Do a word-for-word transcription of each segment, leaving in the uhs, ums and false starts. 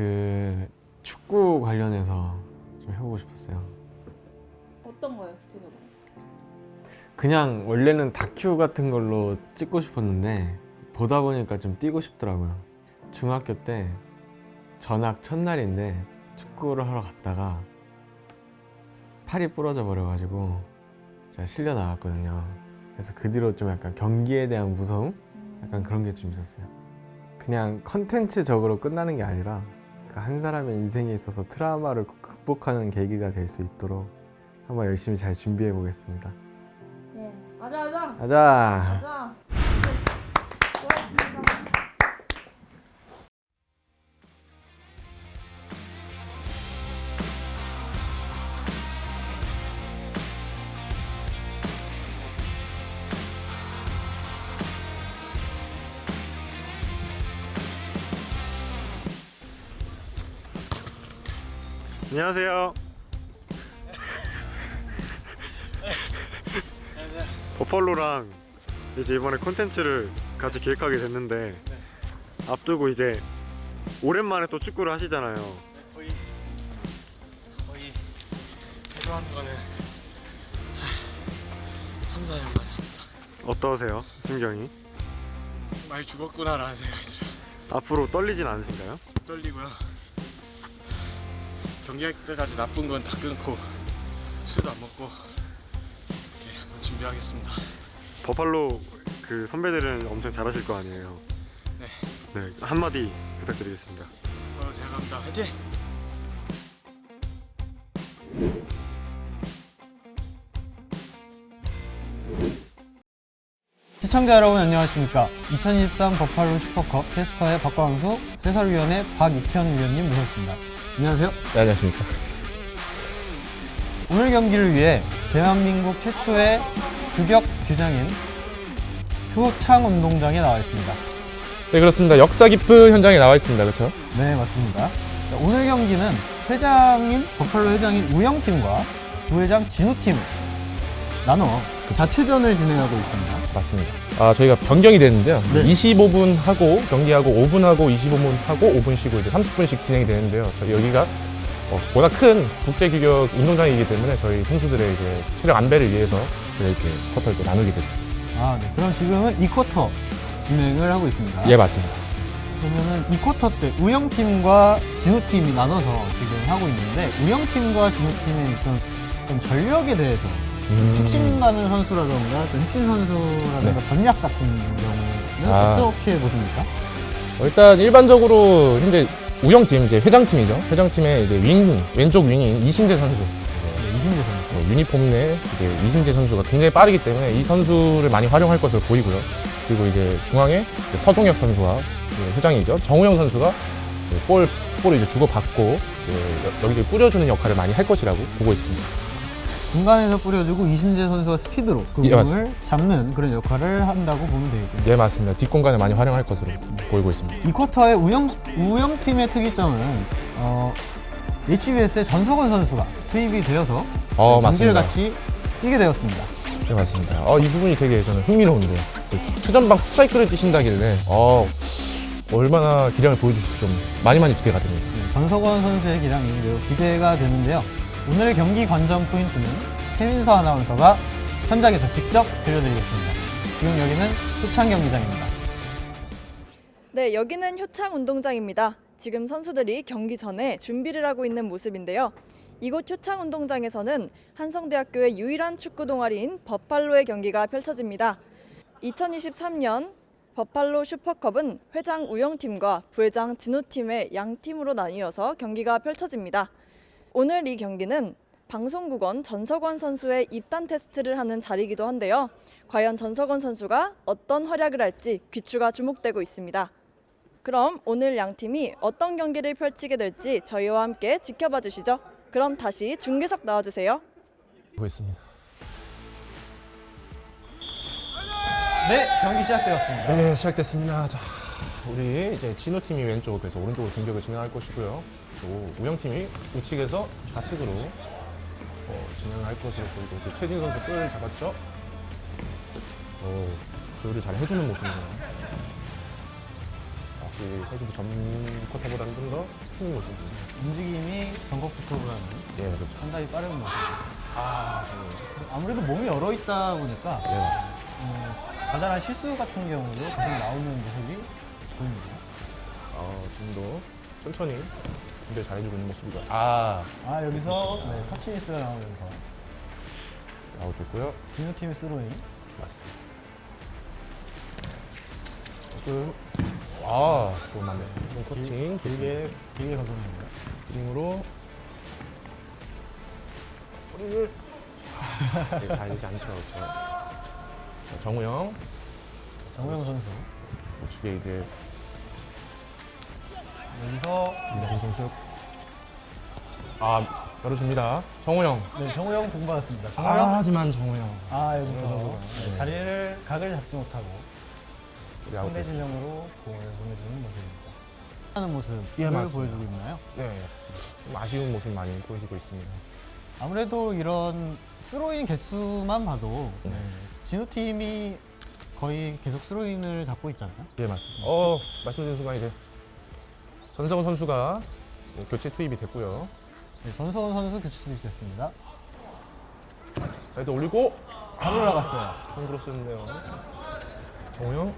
그 축구 관련해서 좀 해보고 싶었어요. 어떤 거예요, 구체적으로? 그냥 원래는 다큐 같은 걸로 찍고 싶었는데 보다 보니까 좀 뛰고 싶더라고요. 중학교 때 전학 첫날인데 축구를 하러 갔다가 팔이 부러져 버려가지고 제가 실려 나갔거든요. 그래서 그 뒤로 좀 약간 경기에 대한 무서움? 약간 그런 게 좀 있었어요. 그냥 컨텐츠적으로 끝나는 게 아니라 한 사람의 인생에 있어서 트라우마를 극복하는 계기가 될 수 있도록 한번 열심히 잘 준비해 보겠습니다. 네, 가자, 가자. 가자! 가자. 수고하셨습니다. 안녕하세요. 버팔로랑 이제 이번에 콘텐츠를 같이 기획하게 됐는데 앞두고 이제 오랜만에 또 축구를 하시잖아요. 거의 거의 새로 하는 거는 삼, 사 년 만에 합니다. 어떠세요? 심경이? 많이 죽었구나라는 생각이 들어요. 앞으로 떨리진 않으신가요? 떨리고요. 경기할 때까지 나쁜 건 다 끊고 술도 안 먹고 이렇게 한번 준비하겠습니다. 버팔로 그 선배들은 엄청 잘하실 거 아니에요? 네. 네, 한마디 부탁드리겠습니다. 어, 제가 갑니다. 화이팅! 시청자 여러분 안녕하십니까. 이천이십삼 버팔로 슈퍼컵 캐스터의 박광수, 해설위원의 박익현 위원님 모셨습니다. 안녕하세요. 네, 안녕하십니까. 오늘 경기를 위해 대한민국 최초의 규격 규장인 효창 운동장에 나와 있습니다. 네, 그렇습니다. 역사 깊은 현장에 나와 있습니다. 그렇죠? 네, 맞습니다. 자, 오늘 경기는 회장인 버팔로 회장인 우영팀과 부회장 진우팀 나눠 자체전을 진행하고 있습니다. 맞습니다. 아, 저희가 변경이 됐는데요. 네. 이십오 분 하고 경기하고 오 분 하고 이십오 분 하고 오 분 쉬고 이제 삼십 분씩 진행이 되는데요. 저희 여기가 어, 보다 큰 국제 규격 운동장이기 때문에 저희 선수들의 이제 체력 안배를 위해서 이렇게 쿼터를 또 나누게 됐습니다. 아, 네. 그럼 지금은 이 쿼터 진행을 하고 있습니다. 예, 맞습니다. 그러면은 이 쿼터 때 우영팀과 진우팀이 나눠서 지금 하고 있는데 우영팀과 진우팀의 어떤, 어떤 전력에 대해서 음. 핵심 나는 선수라던가 또 핵심 선수라던가 네. 전략 같은 경우는 아. 어떻게 보십니까? 어, 일단 일반적으로 현재 우영팀 이제 회장팀이죠. 회장팀의 이제 윙 왼쪽 윙인 이신재 선수. 네, 이신재 선수. 어, 유니폼 내 이제 이신재 선수가 굉장히 빠르기 때문에 이 선수를 많이 활용할 것으로 보이고요. 그리고 이제 중앙에 이제 서종혁 선수와 이제 회장이죠. 정우영 선수가 이제 볼, 볼을 이제 주고받고 이제 여기저기 뿌려주는 역할을 많이 할 것이라고 보고 있습니다. 중간에서 뿌려주고 이신재 선수가 스피드로 그 예, 공을 맞습니다. 잡는 그런 역할을 한다고 보면 되겠군요. 예, 맞습니다. 뒷공간을 많이 활용할 것으로 보이고 있습니다. 이 쿼터의 우영, 우영팀의 특이점은 어, 에이치비에스의 전석원 선수가 투입이 되어서 어, 경기를 맞습니다. 같이 뛰게 되었습니다. 네, 맞습니다. 어, 이 부분이 되게 저는 흥미로운데요. 투전방 스트라이크를 뛰신다길래 어, 얼마나 기량을 보여주실지 좀 많이 많이 기대가 됩니다. 네, 전석원 선수의 기량이 매우 기대가 되는데요. 오늘의 경기 관전 포인트는 최민서 아나운서가 현장에서 직접 들려드리겠습니다. 지금 여기는 효창 경기장입니다. 네, 여기는 효창 운동장입니다. 지금 선수들이 경기 전에 준비를 하고 있는 모습인데요. 이곳 효창 운동장에서는 한성대학교의 유일한 축구 동아리인 버팔로의 경기가 펼쳐집니다. 이천이십삼 년 버팔로 슈퍼컵은 회장 우영팀과 부회장 진우팀의 양 팀으로 나뉘어서 경기가 펼쳐집니다. 오늘 이 경기는 방송국원 전석원 선수의 입단 테스트를 하는 자리이기도 한데요. 과연 전석원 선수가 어떤 활약을 할지 귀추가 주목되고 있습니다. 그럼 오늘 양 팀이 어떤 경기를 펼치게 될지 저희와 함께 지켜봐 주시죠. 그럼 다시 중계석 나와주세요. 보고 있습니다. 네, 경기 시작되었습니다. 네, 시작됐습니다. 자, 우리 이제 진호 팀이 왼쪽에서 오른쪽으로 공격을 진행할 것이고요. 또 우영 팀이 우측에서 좌측으로 어, 진행할 것으로 보이고 이제 최진 선수 뿔 잡았죠. 어, 조율을 잘 해주는 모습이네요. 아, 확실히 선수도 전 쿼터보다는 좀 더 큰 모습입니다. 움직임이 전국부터보다는 예, 그렇죠. 상당히 빠른 모습. 아, 아무래도 몸이 열어 있다 보니까 예, 맞습니다. 음, 가다란 실수 같은 경우도 계속 나오는 모습이 보입니다. 어, 지금도 천천히 준비 잘해주고 있는 모습이죠. 아, 아 여기서 네, 터치미스가 나오면서 아웃됐고요. 진우 팀의 스로잉. 맞습니다. 조금, 아, 좋은 맞네. 좀 커팅, 길게 길게 가져옵니다. 힘으로 허리를 네, 잘리지 않죠, 그렇죠. 자, 정우영 정우영 선수 우측에 이제 여기서 김진 선수 아 열어줍니다. 정우영 네 정우영 공받았습니다. 아, 정우영 하지만 정우영 아 여기서 정우영 네, 선수가, 네. 자리를 각을 잡지 못하고 우리 상대 아웃됐습니다. 진영으로 공을 보내주는 모습입니다. 하는 모습을 예, 맞습니다. 보여주고 있나요? 네, 좀 아쉬운 모습 많이 보여지고 있습니다. 아무래도 이런 스로인 개수만 봐도 네. 진우 팀이 거의 계속 스로인을 잡고 있잖아요. 예, 맞습니다. 어, 말씀드린 순간 이제 전성훈 선수가 교체 투입이 됐고요. 네, 전서훈 선수 교체 투입됐습니다. 사이드 올리고 바로 올라갔어요. 총 크로스였는데요. 정우영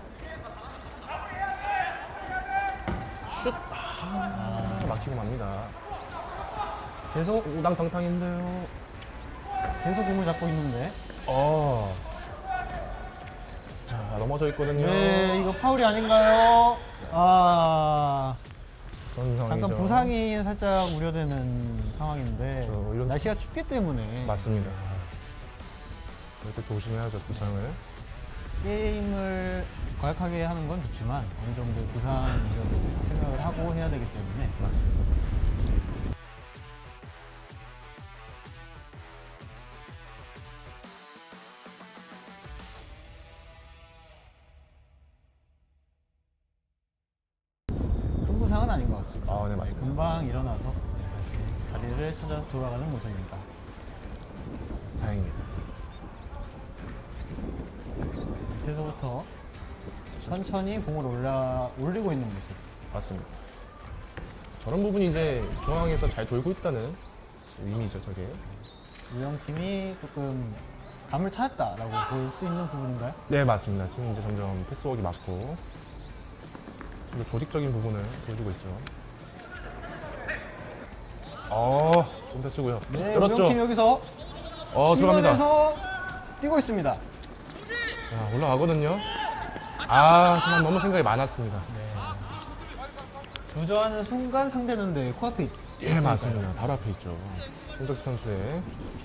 슛 아, 막히고 맙니다. 계속 우당탕탕인데요. 계속 공을 잡고 있는데 어. 자, 넘어져 있거든요. 네 이거 파울이 아닌가요? 아 그런 상황이죠. 잠깐 부상이 살짝 우려되는 상황인데 그렇죠. 이런- 날씨가 춥기 때문에 맞습니다. 그럴 때 조심해야죠, 부상을. 게임을 과격하게 하는 건 좋지만 어느 정도 부상 위험도 생각을 하고 해야 되기 때문에 맞습니다. 큰 부상은 아닌 것 같습니다. 아, 네, 맞습니다. 금방 일어나서 네, 다시 자리를 찾아서 돌아가는 모습입니다. 다행입니다. 밑에서부터 천천히 공을 올라 올리고 있는 모습. 맞습니다. 저런 부분이 이제 중앙에서 잘 돌고 있다는 의미죠, 저게. 우영팀이 조금 감을 찾았다라고 볼 수 있는 부분인가요? 네, 맞습니다. 지금 이제 점점 패스워크가 맞고 좀 더 조직적인 부분을 보여주고 있죠. 어, 좋은 패스고요. 네, 열었죠? 우영팀 여기서 어, 들어갑니다. 중간에서 뛰고 있습니다. 자, 올라가거든요. 아, 하지만 너무 생각이 많았습니다. 주저하는 순간 상대는 네, 코앞에 있, 예, 있으니까요. 맞습니다. 바로 앞에 있죠. 손덕희 선수의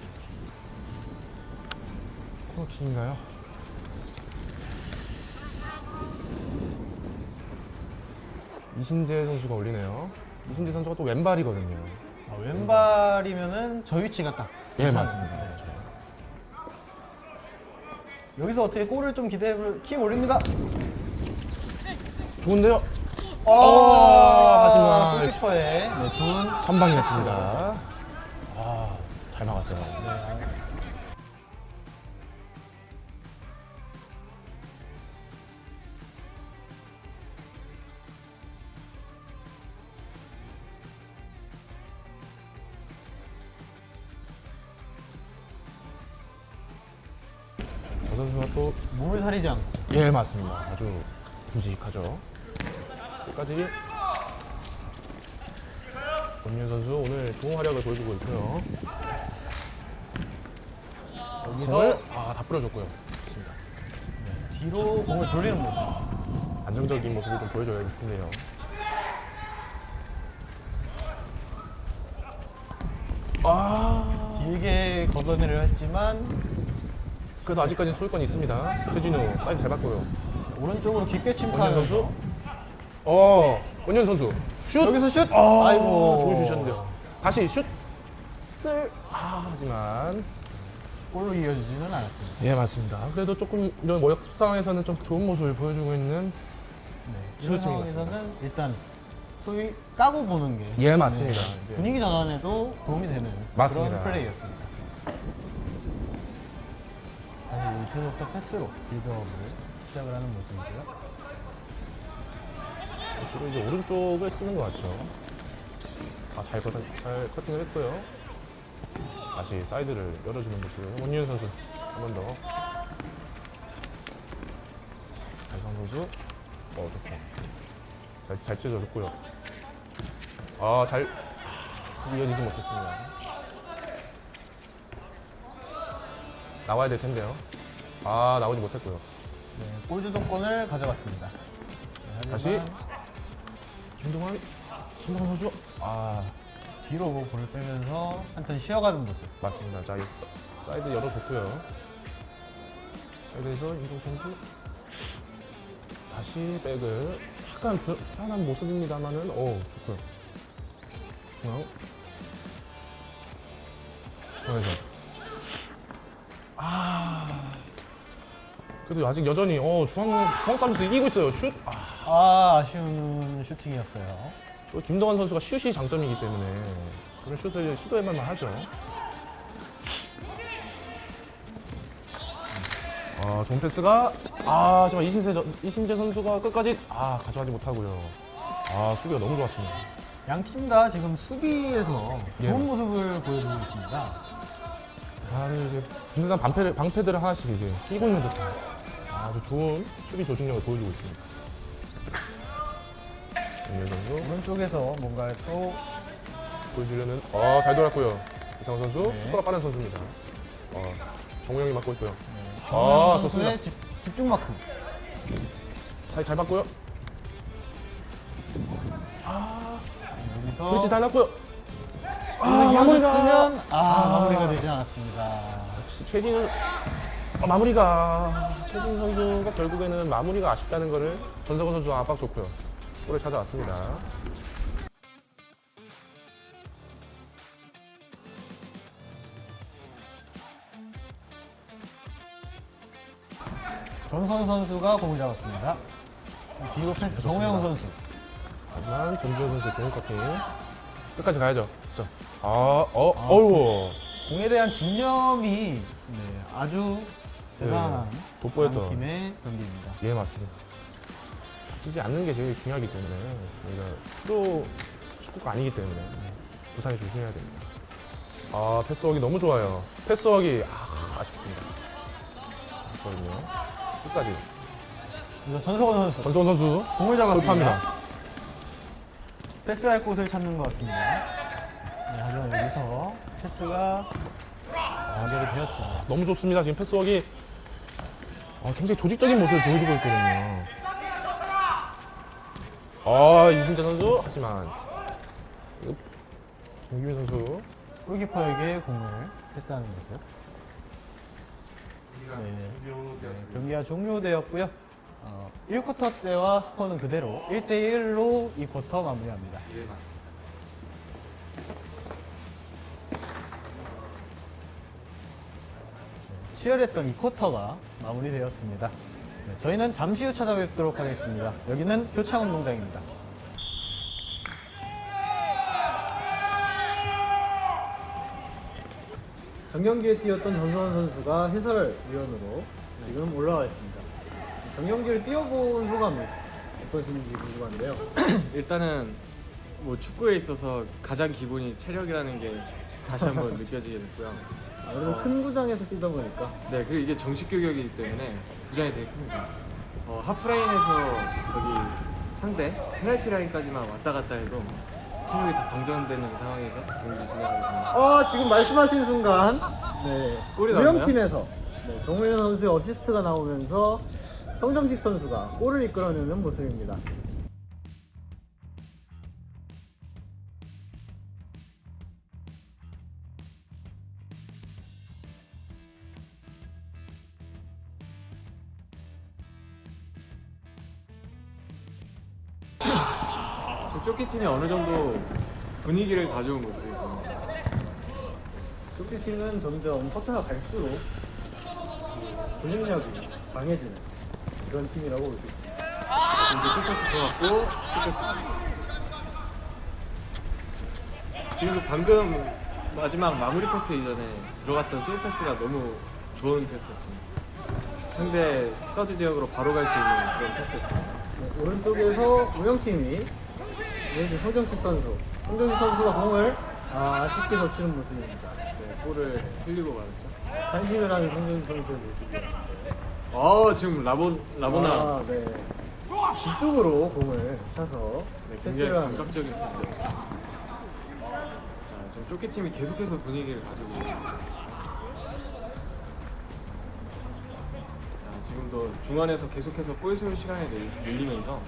코너킥인가요? 이신재 선수가 올리네요. 이신재 선수가 또 왼발이거든요. 아, 왼발이면은 저 위치가 딱. 예, 괜찮아요. 맞습니다. 네. 그렇죠. 여기서 어떻게 골을 좀 기대해 볼, 킥 올립니다. 좋은데요? 아, 어, 하지만 골키퍼의 네, 좋은 선방이었습니다. 아, 잘 막았어요. 네, 저 선수가 또 몸을 사리지 않고 예, 맞습니다. 아주 듬직하죠. 끝까지 권윤 선수 오늘 좋은 활약을 보여주고 있고요. 여기서 공을 아, 다 뿌려줬고요. 좋습니다. 뒤로 공을 돌리는 모습. 안정적인 모습을 좀 보여줘야 될 텐데요. 아, 길게 걷어내려 했지만 그래도 아직까지 소유권이 있습니다. 최진우 사이드 잘 받고요. 오른쪽으로 깊게 권윤 침투하면서 선수. 어, 권윤 선수 슛. 여기서 슛! 아, 아이고. 좋은 슛이었는데요. 다시 슛. 쓸. 아, 하지만 골로 이어지지는 않았습니다. 예, 맞습니다. 그래도 조금 이런 모역습 상황에서는 좀 좋은 모습을 보여주고 있는 네, 이런 시우증인 것 상황에서는 일단 소위 까고 보는 게 예, 맞습니다. 네, 예. 분위기 전환에도 도움이 되는 맞습니다. 그런 플레이였습니다. 다시 밑에서부터 패스로 빌드업을 시작을 하는 모습이고요. 주로 이제 오른쪽을 쓰는 것 같죠. 아, 잘, 커팅, 잘 커팅을 했고요. 다시 사이드를 열어주는 모습. 원윤 선수 한 번 더. 달성 선수. 어, 좋다. 잘, 잘 찢어줬고요. 아, 잘 이어지지 못했습니다. 나와야 될 텐데요. 아, 나오지 못했고요. 네, 골 주도권을 가져갔습니다. 네, 다시 하지만 김동환, 김동환 선수. 아, 뒤로 볼을 빼면서 한턴 쉬어가는 모습. 맞습니다. 자, 이 사- 사이드 열어줬고요. 사이드에서 임동 선수 다시 백을 약간 불- 불안한 모습입니다만은, 오, 좋고요. 중앙. 중앙에서. 아, 그래도 아직 여전히 어 중앙 중앙 서비스 이기고 있어요. 슛. 아, 아, 아쉬운 슈팅이었어요. 또 김동환 선수가 슛이 장점이기 때문에 그런 슛을 시도해볼만 하죠. 아, 좋은 패스가 아, 정말 이신재, 저- 이신재 선수가 끝까지 아 가져가지 못하고요. 아, 수비가 너무 좋았습니다. 양 팀 다 지금 수비에서 예. 좋은 모습을 보여주고 있습니다. 아, 이제 든든한 방패를, 방패들을 하나씩 이제 끼고 있는 듯한 아주 좋은 수비 조직력을 보여주고 있습니다. 윤열 선수 오른쪽에서 뭔가 또 보여주려는 아, 잘 돌았고요. 이상호 선수 네. 속도가 빠른 선수입니다. 어, 정우영이 맡고 있고요. 네, 아, 선수의 집, 집중 마크. 사이 잘 받고요. 여기서 그렇지, 잘 났고요. 아, 마무리가 아, 아. 마무리가 되지 않았습니다. 역시 최진은 아, 마무리가 최진 선수가 결국에는 마무리가 아쉽다는 거를 전성훈 선수가 압박 좋고요. 골을 찾아왔습니다. 전선 선수가 공을 잡았습니다. 뒤로 패스 정우영 선수. 하지만 전주현 선수의 좋은 커팅 끝까지 가야죠. 그렇죠. 아, 어, 어우, 공에 대한 집념이 네, 아주 대단한 네, 돋보였던. 양 팀의 경기입니다. 예, 맞습니다. 다치지 않는 게 제일 중요하기 때문에 저희가 프로 축구가 아니기 때문에 부상에 조심해야 됩니다. 아, 패스워크 너무 좋아요. 패스워크 아, 아쉽습니다. 아쉽거든요. 끝까지 그래서 전성원 선수 전성훈 선수 공을 잡았습니다. 돌파합니다. 패스할 곳을 찾는 것 같습니다. 네, 하지만 여기서 패스가 연결이 되었죠. 너무 좋습니다. 지금 패스워크 아, 굉장히 조직적인 모습을 보여주고 있거든요. 아, 이신재 선수 하지만 이거 김규민 선수 골키퍼에게 공을 패스하는 거죠. 네, 네, 경기가 종료되었고요. 어, 일 쿼터 때와 스코어는 그대로 일 대 일로 이 쿼터 마무리합니다. 예, 맞습니다. 치열했던 이 쿼터가 마무리되었습니다. 네, 저희는 잠시 후 찾아뵙도록 하겠습니다. 여기는 효창운동장입니다. 정경기에 뛰었던 전성원 선수가 해설위원으로 지금 올라와 있습니다. 정경기를 뛰어본 소감이 어떠신지 궁금한데요. 일단은 뭐 축구에 있어서 가장 기본이 체력이라는 게 다시 한번 느껴지게 됐고요. 아무래도 큰 구장에서 뛰다 보니까 네, 그리고 이게 정식 교격이기 때문에 부장이 되게 큽니다. 어, 하프라인에서 저기 상대 페널티 라인까지만 왔다 갔다 해도 체력이 다 방전되는 상황에서 경기 진행하고 있습니다. 어, 지금 말씀하신 순간 네, 골이 나왔나요? 우영팀에서 네, 정우현 선수의 어시스트가 나오면서 성정식 선수가 골을 이끌어내는 모습입니다. 쫓기 팀이 어느 정도 분위기를 가져온 모습이고 쇼피치는 점점 쿼터가 갈수록 그 조직력이 강해지는 그런 팀이라고 볼 수 있습니다. 이제 쇼패스 들어갔고 쇼패스 지금도 방금 마지막 마무리 패스 이전에 들어갔던 스루 패스가 너무 좋은 패스였습니다. 상대 서드 지역으로 바로 갈 수 있는 그런 패스였습니다. 네, 오른쪽에서 우영팀이 오른쪽 송정식 선수. 송정식 선수가 공을 아, 아쉽게 놓치는 모습입니다. 네, 볼을 흘리고 말았죠. 단식을 하는 송정식 선수의 모습이에요. 어 지금 라보 라보나 아, 네. 뒤쪽으로 공을 차서 네, 굉장히 패스를 하는. 감각적인 패스. 자, 지금 쪼끼 팀이 계속해서 분위기를 가지고 있어요. 자, 지금도 중원에서 계속해서 볼 소유 시간을 늘- 늘리면서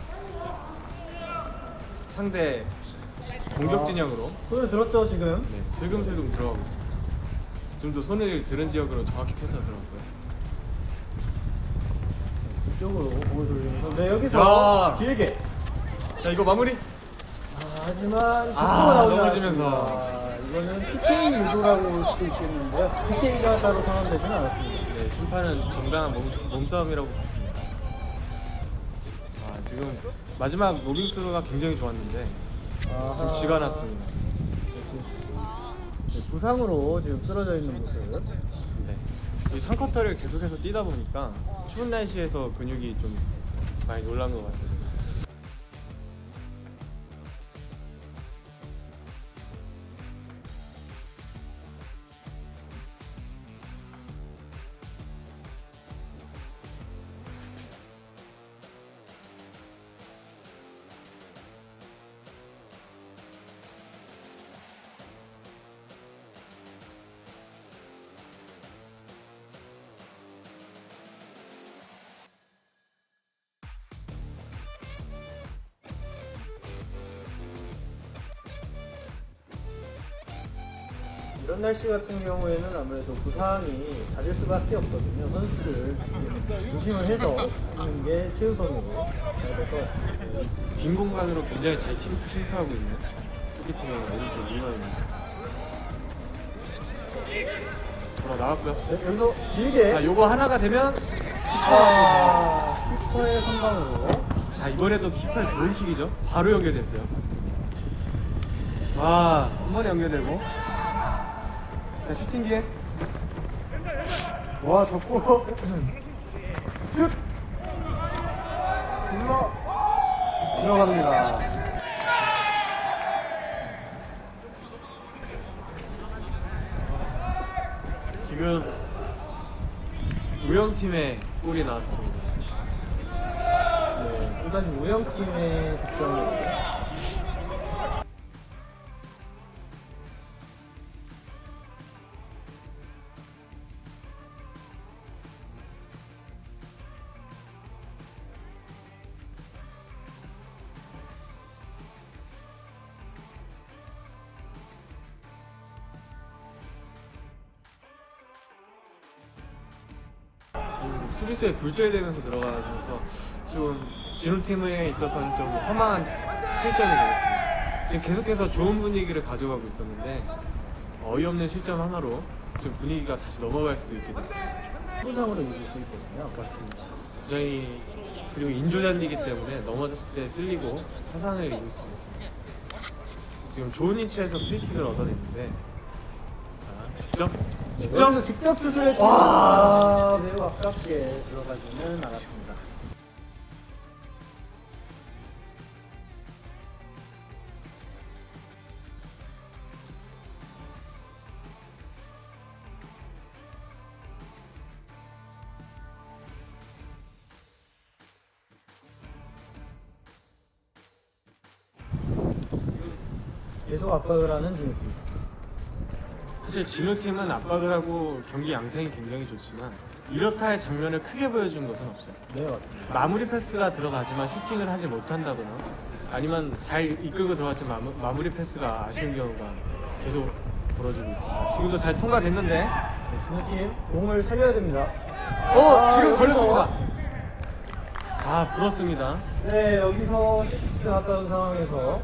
상대 공격 아. 진영으로 손을 들었죠 지금? 네, 슬금슬금 들어가고 있습니다. 지금도 손을 들은 지역으로 정확히 패스가 들어갔고요. 뒤쪽으로 공을 돌리면서 네 여기서 야. 길게. 자 이거 마무리. 아, 하지만 빅토가 아, 나오지 넘어지면서. 않았습니다. 이거는 피케이 유도라고 볼 수도 있겠는데요. 피케이가 따로 선언되지는 않았습니다. 네, 심판은 정당한 몸, 몸싸움이라고 봤습니다. 아, 지금 마지막 로빙스루가 굉장히 좋았는데 아하. 좀 쥐가 났습니다. 네, 부상으로 지금 쓰러져 있는 모습. 네. 이 삼 쿼터를 계속해서 뛰다 보니까 추운 날씨에서 근육이 좀 많이 놀란 것 같습니다. 이런 날씨 같은 경우에는 아무래도 부상이 잦을 수밖에 없거든요. 선수들 조심을 해서 하는 게 최우선으로 해야 될 것 같습니다. 빈 공간으로 굉장히 잘 침, 침투하고 있는 토끼팀의 오른쪽 이원입니다. 돌아 나왔고요. 네, 여기서 길게. 자, 요거 하나가 되면 아, 키퍼의 선방으로. 자 이번에도 키퍼의 좋은 킥이죠. 바로 연결됐어요. 와, 한 번에 연결되고. 자 슈팅 기회. 와, 접고. 슛! 들어 들어갑니다. 지금 우영팀의 골이 나왔습니다. 네, 또다시 우영팀의 득점으로. 좀 수비수에 굴절되면서 들어가면서 좀 진호팀에 있어서는 좀 허망한 실점이 되었습니다. 지금 계속해서 좋은 분위기를 가져가고 있었는데 어이없는 실점 하나로 지금 분위기가 다시 넘어갈 수 있게 됐습니다. 부상으로 이길 수 있거든요. 맞습니다. 부장이 그리고 인조잔디이기 때문에 넘어졌을 때 쓸리고 화상을 입을 수 있습니다. 지금 좋은 위치에서 프리킥을 얻어냈는데 자, 직접 직접 여기서 직접 수술했지만 아, 매우 아깝게 들어가지는 않았습니다. 계속 압박을 하는 진우팀. 사실 진호팀은 압박을 하고 경기 양상이 굉장히 좋지만 이렇다 할 장면을 크게 보여준 것은 없어요. 네, 맞습니다. 마무리 패스가 들어가지만 슈팅을 하지 못한다거나 아니면 잘 이끌고 들어갔지만 마무, 마무리 패스가 아쉬운 경우가 계속 벌어지고 있습니다. 지금도 잘 통과됐는데 네, 진우팀 공을 살려야 됩니다. 어! 아, 지금 여기서. 걸렸습니다. 아 불었습니다. 네, 여기서 세트 가까운 상황에서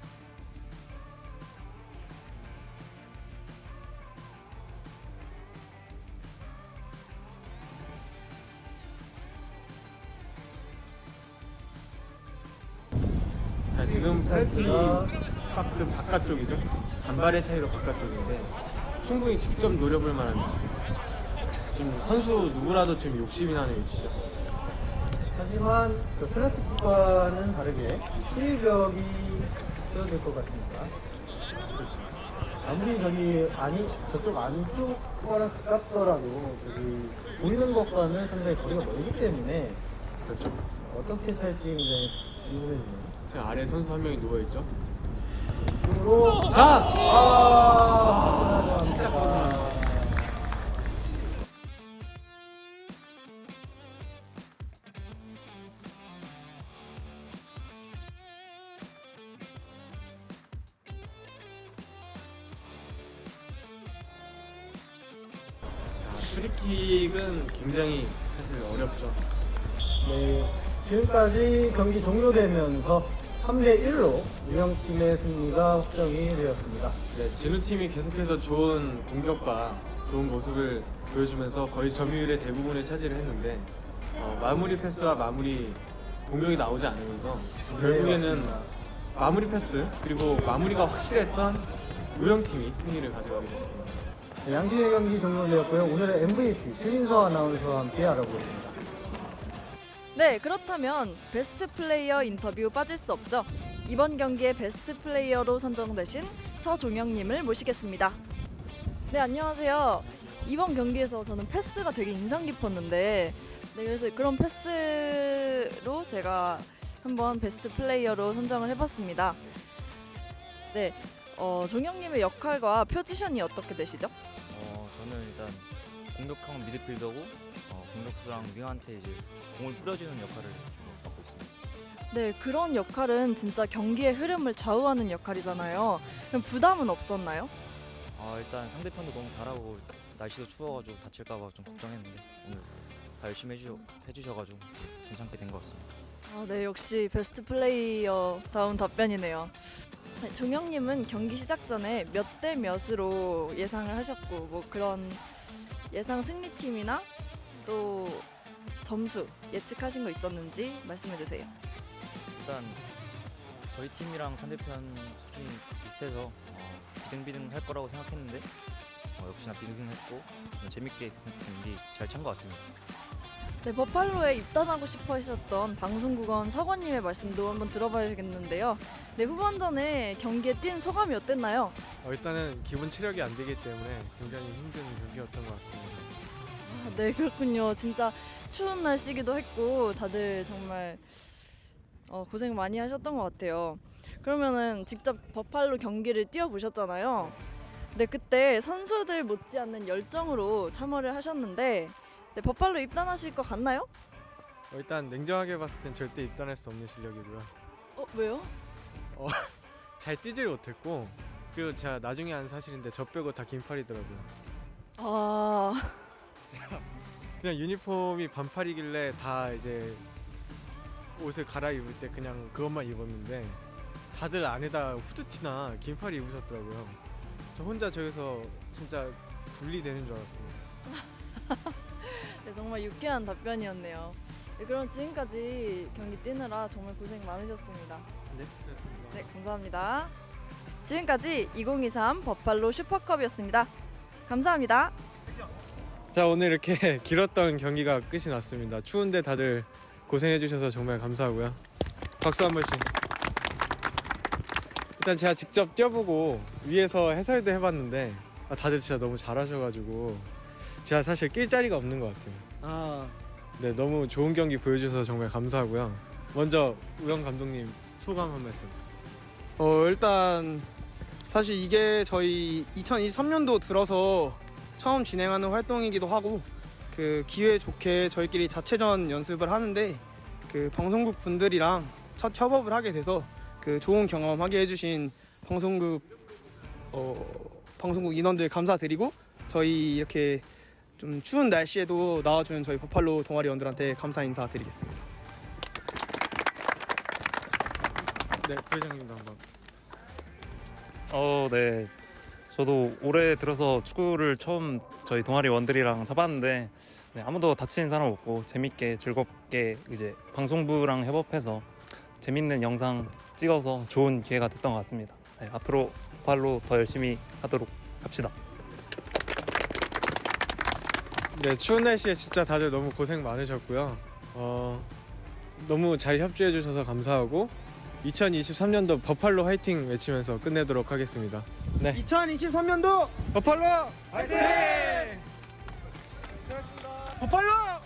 자 지금 페널티 찬스가. 박스 바깥쪽이죠. 반발의 차이로 바깥쪽인데 충분히 직접 노려볼 만한 위치입니다. 지금 선수 누구라도 지금 욕심이 나는 위치죠. 하지만 그 페널티킥과는 다르게 수비벽이 세워질 것 같습니다. 아무리 저기 아니 저쪽 안쪽 거랑 가깝더라도 저기 보이는 것과는 상당히 거리가 멀기 때문에 그렇죠. 어떻게 살지 굉장히 궁금해지네요. 제 아래 선수 한 명이 누워 있죠. 으로 자! 아! 안타깝습니다. 프리킥은 굉장히 사실 어렵죠. 네, 지금까지 경기 종료되면서 삼 대 일로 유영팀의 승리가 확정이 되었습니다. 네, 진우 팀이 계속해서 좋은 공격과 좋은 모습을 보여주면서 거의 점유율의 대부분을 차지를 했는데 어, 마무리 패스와 마무리 공격이 나오지 않으면서 결국에는 맞습니다. 마무리 패스 그리고 마무리가 확실했던 우영 팀이 승리를 가져가게 됐습니다. 네, 양팀의 경기 종료되었고요. 오늘의 엠브이피 최민서 아나운서와 함께 알아보겠습니다. 네, 그렇다면 베스트 플레이어 인터뷰 빠질 수 없죠. 이번 경기의 베스트 플레이어로 선정되신 서종영님을 모시겠습니다. 네, 안녕하세요. 이번 경기에서 저는 패스가 되게 인상 깊었는데, 네, 그래서 그런 패스로 제가 한번 베스트 플레이어로 선정을 해봤습니다. 네, 어, 종영님의 역할과 포지션이 어떻게 되시죠? 어, 저는 일단 공격형 미드필더고 어, 공격수랑 윙한테 이제 공을 뿌려주는 역할을 주로 맡고 있습니다. 네, 그런 역할은 진짜 경기의 흐름을 좌우하는 역할이잖아요. 그럼 부담은 없었나요? 어, 일단 상대편도 너무 잘하고 날씨도 추워가지고 다칠까봐 좀 걱정했는데 오늘 다 열심히 해주, 해주셔가지고 괜찮게 된 것 같습니다. 아, 네, 역시 베스트 플레이어 다운 답변이네요. 네, 종영님은 경기 시작 전에 몇 대 몇으로 예상을 하셨고 뭐 그런 예상 승리팀이나 또 점수 예측하신 거 있었는지 말씀해 주세요. 일단 저희 팀이랑 상대편 수준이 비슷해서 어, 비등비등 할 거라고 생각했는데 어, 역시나 비등비등했고 재밌게 경기 잘 찬 것 같습니다. 네, 버팔로에 입단하고 싶어 하셨던 방송국원 서건님의 말씀도 한번 들어봐야겠는데요. 네, 후반전에 경기에 뛴 소감이 어땠나요? 어, 일단은 기본 체력이 안 되기 때문에 굉장히 힘든 경기였던 것 같습니다. 아, 네, 그렇군요. 진짜 추운 날씨기도 했고 다들 정말 어, 고생 많이 하셨던 것 같아요. 그러면은 직접 버팔로 경기를 뛰어보셨잖아요. 네, 그때 선수들 못지않는 열정으로 참여를 하셨는데 네, 버팔로 입단하실 것 같나요? 어, 일단 냉정하게 봤을 땐 절대 입단할 수 없는 실력이고요. 어, 왜요? 잘 뛰질 못했고 그리고 제가 나중에 안 사실인데 저 빼고 다 긴팔이더라고요. 아, 그냥 유니폼이 반팔이길래 다 이제 옷을 갈아입을 때 그냥 그것만 입었는데 다들 안에다 후드티나 긴팔이 입으셨더라고요. 저 혼자 저기서 진짜 분리되는 줄 알았습니다. 네, 정말 유쾌한 답변이었네요. 네, 그럼 지금까지 경기 뛰느라 정말 고생 많으셨습니다. 네, 수고하셨습니다. 네, 감사합니다. 지금까지 이천이십삼 버팔로 슈퍼컵이었습니다. 감사합니다. 자, 오늘 이렇게 길었던 경기가 끝이 났습니다. 추운데 다들 고생해 주셔서 정말 감사하고요. 박수 한 번씩. 일단 제가 직접 뛰어보고 위에서 해설도 해봤는데 아, 다들 진짜 너무 잘하셔가지고 제가 사실 낄 자리가 없는 것 같아요. 아, 네, 너무 좋은 경기 보여주셔서 정말 감사하고요. 먼저 우영 감독님 소감 한 말씀. 어 일단 사실 이게 저희 이천이십삼 년도 들어서 처음 진행하는 활동이기도 하고 그 기회 좋게 저희끼리 자체전 연습을 하는데 그 방송국 분들이랑 첫 협업을 하게 돼서 그 좋은 경험하게 해주신 방송국 어 방송국 인원들 감사드리고 저희 이렇게 좀 추운 날씨에도 나와주는 저희 버팔로 동아리원들한테 감사 인사드리겠습니다. 네, 부회장님도 한번. 어, 네. 저도 올해 들어서 축구를 처음 저희 동아리 원들이랑 잡았는데 네, 아무도 다치는 사람 없고 재밌게 즐겁게 이제 방송부랑 협업해서 재밌는 영상 찍어서 좋은 기회가 됐던 것 같습니다. 네, 앞으로 발로 더 열심히 하도록 합시다. 네, 추운 날씨에 진짜 다들 너무 고생 많으셨고요. 어, 너무 잘 협조해 주셔서 감사하고 이천이십삼 년도 버팔로 화이팅 외치면서 끝내도록 하겠습니다. 네. 이천이십삼 년도 버팔로 화이팅! 수고하셨습니다. 버팔로